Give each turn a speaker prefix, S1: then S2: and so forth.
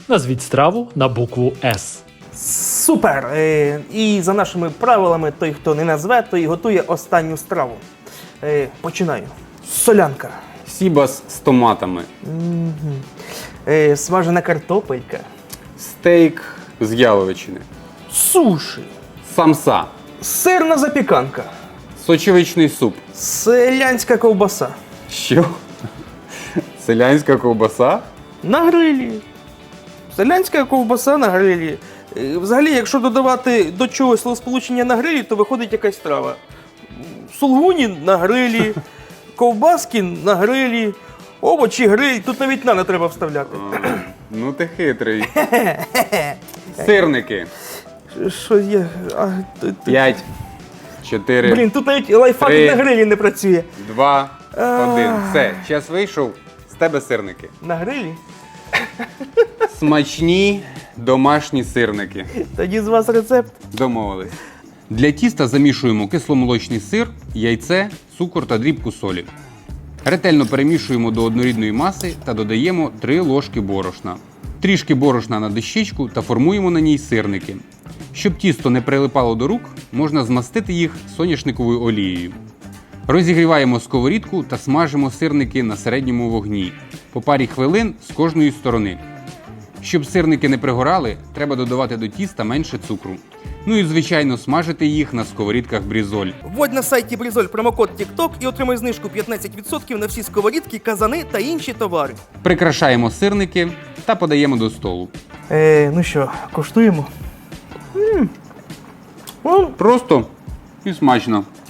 S1: Назвіть страву на букву С.
S2: Супер! І за нашими правилами, той, хто не назве, той готує останню страву. Починаю. Солянка.
S3: Сібас з томатами.
S2: Смажена картопелька.
S3: Стейк з яловичини.
S2: Суші.
S3: Самса.
S2: Сирна запіканка.
S3: Сочевичний суп.
S2: Селянська ковбаса.
S3: Що? Селянська ковбаса?
S2: На грилі. Селянська ковбаса на грилі. Взагалі, якщо додавати до чогось словосполучення на грилі, то виходить якась страва. Сулгуні на грилі, ковбаски на грилі, овочі гриль, тут навіть не треба вставляти.
S3: Ну ти хитрий. Сирники.
S2: Що є?
S3: 5, 4,
S2: Блін, тут навіть лайфхак
S3: 3.
S2: на грилі не працює.
S3: 2, 1. Все, час вийшов. З тебе сирники.
S2: На грилі?
S3: Смачні домашні сирники.
S2: Тоді з вас рецепт.
S3: Домовились. Для тіста замішуємо кисломолочний сир, яйце, цукор та дрібку солі. Ретельно перемішуємо до однорідної маси та додаємо 3 ложки борошна. Трішки борошна на дощечку та формуємо на ній сирники. Щоб тісто не прилипало до рук, можна змастити їх соняшниковою олією. Розігріваємо сковорідку та смажимо сирники на середньому вогні по парі хвилин з кожної сторони. Щоб сирники не пригорали, треба додавати до тіста менше цукру. Ну і, звичайно, смажити їх на сковорідках брізоль.
S2: Вводь на сайті Брізоль промокод TikTok і отримай знижку 15% на всі сковорідки, казани та інші товари.
S3: Прикрашаємо сирники та подаємо до столу.
S2: Ну що, коштуємо?
S3: Просто і смачно.